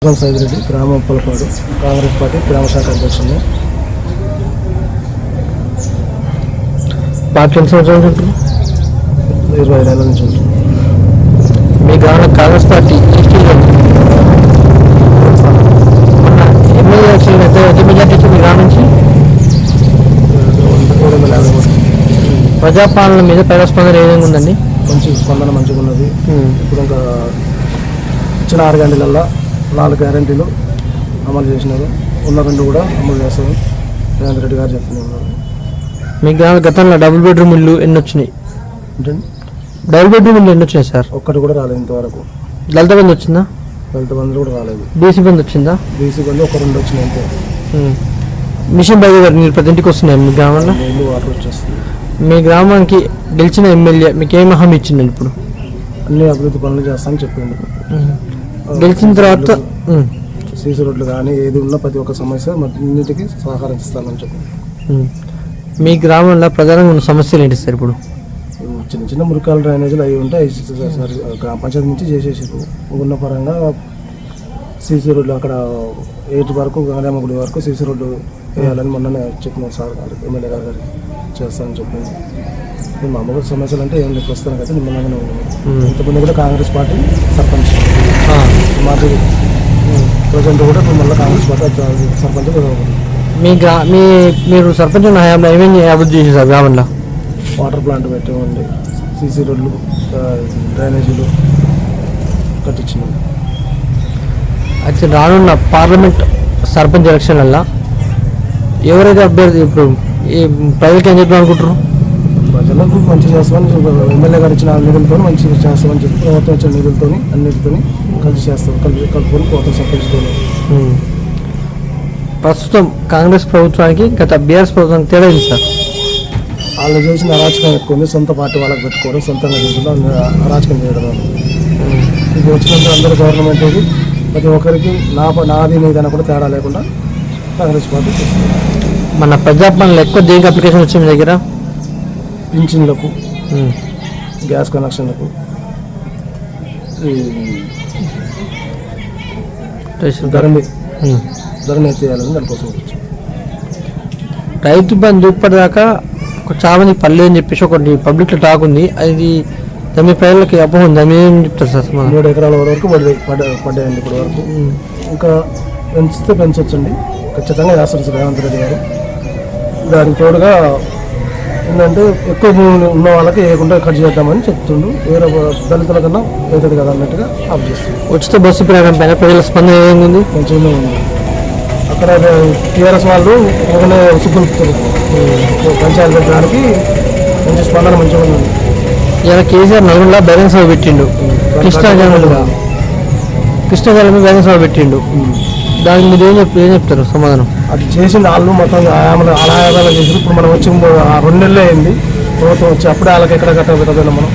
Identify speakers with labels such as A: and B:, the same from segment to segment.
A: సైదిరెడ్డి గ్రామ ఉప్పలపాడు కాంగ్రెస్ పార్టీ గ్రామ శాఖ అధ్యక్షుడిని.
B: పార్టీ ఎన్ని సంవత్సరాలు ఉంటుంది?
A: 25 ఏళ్ళ నుంచి ఉంటుంది.
B: మీ గ్రామంలో కాంగ్రెస్ పార్టీ ఎమ్మెల్యే ఎలక్షన్ అయితే ఎంత మెజార్టీ వచ్చింది మీ గ్రామం నుంచి?
A: 750
B: ప్రజాపాలన మీద ప్రజాస్పందన ఏ విధంగా ఉందండి?
A: మంచి స్పందన మంచిగా ఉన్నది. ఇప్పుడు ఇంకా ఇచ్చిన 6 గంటలల్లో 4 గ్యారెంటీలు అమలు చేసినారు. ఉన్న 2 కూడా అమలు చేస్తారు. రేవంత్ రెడ్డి గారు చెప్తూనే ఉన్నారు.
B: మీ గ్రామ గతంలో డబుల్ బెడ్రూమ్ ఇల్లు ఎన్ని వచ్చినాయి? డబుల్ బెడ్రూమ్ ఇల్లు ఎన్ని వచ్చినాయి సార్?
A: ఒక్కటి కూడా రాలేదు ఇంతవరకు.
B: దళిత బంధు వచ్చిందా?
A: దళిత బంధులు కూడా రాలేదు.
B: బీసీ బంధు వచ్చిందా?
A: బీసీ బంధు 1-2 వచ్చినాయి అంతే.
B: మిషన్ బై గారు మీరు ప్రతి ఇంటికి వస్తున్నాయి మీ గ్రామంలో?
A: నీళ్ళు వాటర్ వచ్చేస్తుంది.
B: మీ గ్రామానికి గెలిచిన ఎమ్మెల్యే మీకు ఏం హామీ ఇచ్చిందండి? ఇప్పుడు
A: అన్ని అభివృద్ధి పనులు చేస్తామని చెప్పిండు.
B: గెలిచిన తర్వాత
A: సీసీ రోడ్లు కానీ ఏది ఉన్నా ప్రతి ఒక్క సమస్య అన్నిటికీ సహకరిస్తామని చెప్పి.
B: మీ గ్రామంలో ప్రధానంగా ఉన్న సమస్యలు ఏంటి సార్? ఇప్పుడు
A: చిన్న చిన్న మురికాల డ్రైనేజీలు అవి ఉంటాయి. గ్రామ పంచాయతీ నుంచి చేసేసారు. ఉన్న పరంగా సీసీ రోడ్లు అక్కడ 8 వరకు గంగారామ గుడి వరకు సీసీ రోడ్డు వేయాలని మొన్ననే చెప్పిన సార్ గారు ఎమ్మెల్యే గారు చేస్తానని చెప్పింది. మామూలు సమస్యలు అంటే ఏం లేదు, వస్తాను కదా నిమ్మలంగానే ఉన్నాను. ఇంతకుముందు కూడా కాంగ్రెస్ పార్టీ సర్పంచ్ మాజీ ప్రజెంట్ కూడా ఇప్పుడు మళ్ళీ కాంగ్రెస్ పార్టీ సర్పంచ్.
B: మీరు సర్పంచ్ హయాంలో ఏమేమి అభివృద్ధి చేశారు గ్రామంలో?
A: వాటర్ ప్లాంట్ పెట్టేవండి, సీసీ రోడ్లు, డ్రైనేజీలు కట్టించినాం.
B: అయితే రానున్న పార్లమెంట్ సర్పంచ్ ఎలక్షన్లలో ఎవరైతే అభ్యర్థి ఇప్పుడు ఈ ప్రజలకు ఏం చెప్పి అనుకుంటారు?
A: ప్రజలకు మంచి చేస్తామని ఎమ్మెల్యే గారు ఇచ్చిన నిధులతో మంచి చేస్తామని చెప్పి ప్రభుత్వం ఇచ్చిన నిధులతో అన్నిటితో కలిసి చేస్తాం. కలుపుకొని పోతాం సర్పంచ్తో.
B: ప్రస్తుతం కాంగ్రెస్ ప్రభుత్వానికి గత బీఆర్ఎస్ ప్రభుత్వానికి తేడా ఏంటి సార్?
A: వాళ్ళు చేసిన అరాచకం ఎక్కువ ఉంది. సొంత పార్టీ వాళ్ళకి పెట్టుకోవడం, సొంతంగా చేసుకుంటాం, అరాచకం చేయడం. ఇది వచ్చినంత అందరూ గవర్నమెంట్ ఇది ప్రతి ఒక్కరికి నాది మీదైనా కూడా తేడా లేకుండా కాంగ్రెస్ పార్టీ చేస్తుంది.
B: మన ప్రజాపాలనలో ఎక్కువ దేనికి అప్లికేషన్ వచ్చింది మీ దగ్గర?
A: పింఛన్లకు, గ్యాస్ కనెక్షన్లకు, ధరని ఎత్తేయాలని దానికోసం వచ్చింది.
B: రైతు బంధు ఇప్పటిదాకా చాలా మంది పల్లె అని చెప్పేసి ఒకటి పబ్లిక్లో టాక్ ఉంది. అది మీ ప్రజలకి అపోహ ఉంది. దాన్ని ఏం చెప్తారు సార్?
A: 3 ఎకరాల వరకు పడ్డాయండి ఇప్పటి వరకు. ఇంకా పెంచితే పెంచొచ్చండి, ఖచ్చితంగా చేస్తారు సార్ రేవంత్ రెడ్డి గారు. దానికి తోడుగా ఏంటంటే ఎక్కువ భూములు ఉన్న వాళ్ళకి వేయకుండా కట్ చేద్దామని చెప్తుండు. వేరే దళితుల కన్నా అవుతుంది కదా అన్నట్టుగా ఆఫ్ చేస్తుంది.
B: ఉచిత బస్సు ప్రయాణం పైన ప్రజల స్పందన ఏముంది?
A: మంచిగానే ఉంది. అక్కడ టీఆర్ఎస్ వాళ్ళు ఒకనే ఉసుగులుపుతారు. పంచాయతీ పెట్టడానికి మంచి స్పందన మంచిగా ఉంది.
B: ఇలా కేసీఆర్ నలుగురులా బహిరంగ సభ పెట్టిండు. కృష్ణా జలం బహిరంగ సభ పెట్టిండు. దానికి మీరు ఏం చెప్తారు సమాధానం? అది
A: చేసింది వాళ్ళు మొత్తం అలాయాలు చేసి ఇప్పుడు మనం వచ్చి 2 నెలలే అయింది ప్రభుత్వం వచ్చి. అప్పుడే వాళ్ళకి ఎక్కడ కట్టబెట్టదు. మనం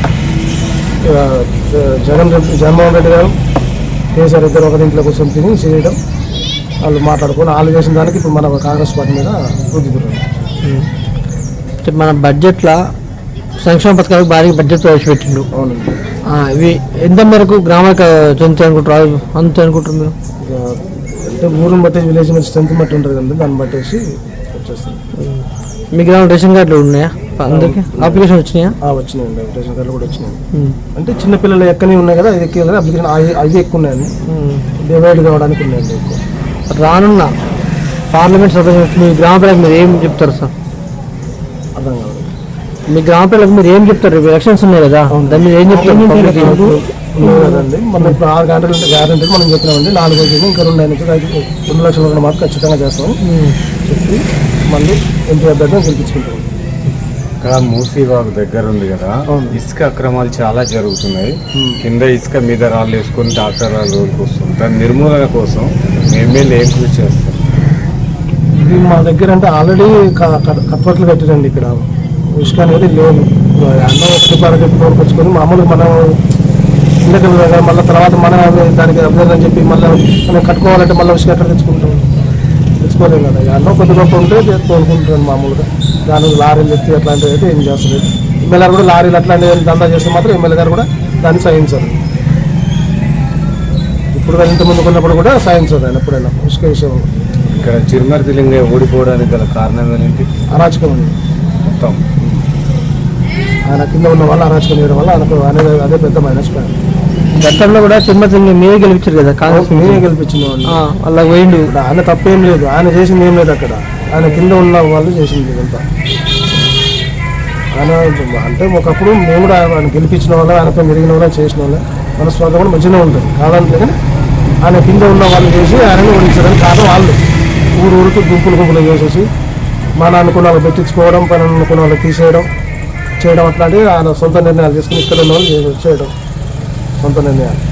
A: జగన్మోహన్ రెడ్డి గారు కేసీఆర్ ఇద్దరు ఒక ఇంట్లో కూర్చొని తిని చేయడం, వాళ్ళు మాట్లాడుకొని వాళ్ళు చేసిన దానికి ఇప్పుడు మన కాంగ్రెస్ పార్టీ మీద రుద్దుతున్నారు.
B: మన బడ్జెట్లో సంక్షేమ పథకాలకు భారీ బడ్జెట్ ప్రవేశపెట్టిండు.
A: అవునండి.
B: ఇవి ఎంత మేరకు గ్రామానికి చెందుతాయి అనుకుంటారు? అంతే అనుకుంటారు మీరు?
A: అంటే ఊరిని బట్టి విలేజ్ మీద స్ట్రెంత్ బట్టి ఉంటుంది కదండి, దాన్ని బట్టేసి వచ్చేస్తుంది.
B: మీ గ్రామం రేషన్ కార్డులు ఉన్నాయా? అందరికి అప్లికేషన్ వచ్చినాయా?
A: వచ్చినాయండి, రేషన్ కార్డులు కూడా వచ్చినాయి. అంటే చిన్నపిల్లలు ఎక్కని ఉన్నాయి కదా, ఇది ఎక్కి అప్లికేషన్ అవి ఎక్కువ ఉన్నాయండి, డివైడ్ కావడానికి ఉన్నాయండి ఎక్కువ.
B: రానున్న పార్లమెంట్ సభ్యులు మీ గ్రామ ప్రజలకు మీరు ఏం చెప్తారు సార్?
A: అర్థం కాదు.
B: మీ గ్రామ ప్రజలకు మీరు ఏం చెప్తారు? ఎలక్షన్స్ ఉన్నాయి కదా, దాన్ని మీరు ఏం చెప్తారు?
A: ఉన్నాయి కదండి, మనం ఇప్పుడు 6 గంటలు అంటే గ్యారెంటీ మనం చెప్పినామండి. 4 రోజులు ఇంకా 2 లక్షల మాత్రం ఖచ్చితంగా చేస్తాం చెప్పి మళ్ళీ ఎంపీ అభ్యర్థిని గెలిపించుకుంటాం.
C: ఇక్కడ మూసీవాగు దగ్గర ఉంది కదా, ఇసుక అక్రమాలు చాలా జరుగుతున్నాయి. కింద ఇసుక మీద రాళ్ళు వేసుకొని ట్రాక్టర్ రోజులకు వస్తుంది. దాని నిర్మూలన కోసం ఎమ్మెల్యే ఏం కృషి చేస్తారు?
A: ఇది మా దగ్గర అంటే ఆల్రెడీ కత్వట్లు కట్టిరండి. ఇక్కడ ఇసుక అనేది లేదు. అన్నం ఒకటి తోడుకొచ్చుకొని మామూలుగా మనం ఇండకలు మళ్ళీ తర్వాత మనం దానికి అభ్యర్థి అని చెప్పి మళ్ళీ మనం కట్టుకోవాలంటే మళ్ళీ ఇసుక ఎక్కడ తెచ్చుకోలేము కదా. అన్నం కొద్ది గొప్ప ఉంటే తోడుకుంటాను మామూలుగా. దాని లారీలు ఎత్తి అట్లాంటివి అయితే ఏం చేస్తలేదు. ఎమ్మెల్యే కూడా లారీలు అట్లాంటివి దందా చేస్తే మాత్రం ఎమ్మెల్యే గారు కూడా దాన్ని సహించారు. ఇప్పుడు ఇంత ముందుకు ఉన్నప్పుడు కూడా సాధించదు ఆయన ఎప్పుడైనా ఇసుక విషయంలో.
C: ఇక్కడ చిరుమర్తి లింగయ్య ఓడిపోవడానికి గల కారణం ఏంటి?
A: అరాచకం ఉంది
C: మొత్తం.
A: ఆయన కింద ఉన్న వాళ్ళు అరాచకం చేయడం వల్ల ఆయనకు అదే పెద్ద మైనస్ పాయింట్.
B: గతంలో కూడా తిరుమతి మీరే గెలిపించారు కదా కాంగ్రెస్
A: నేనే గెలిపించిన వాళ్ళు.
B: అలా పోయిండు.
A: ఆయన తప్పేం లేదు, ఆయన చేసింది ఏం లేదు అక్కడ. ఆయన కింద ఉన్న వాళ్ళు చేసింది ఇదంతా. ఆయన అంటే ఒకప్పుడు మేము కూడా ఆయన గెలిపించిన వాళ్ళు, ఆయనతో మెరిగిన వాళ్ళు, చేసిన వాళ్ళు మనస్వార్థం కూడా మంచిగానే ఉంటుంది కాదంటే, కానీ ఆయన కింద ఉన్న వాళ్ళు చేసి ఆయనని ఓడించడానికి కారణం వాళ్ళు. ఊరికి గుంపులు చేసేసి మన అనుకున్న వాళ్ళు పెట్టించుకోవడం, పని అనుకున్న వాళ్ళు తీసేయడం చేయడం అట్లాంటివి ఆయన సొంత నిర్ణయాలు తీసుకుని ఇక్కడ ఉన్న వాళ్ళు చేయడం సొంత నిర్ణయాలు.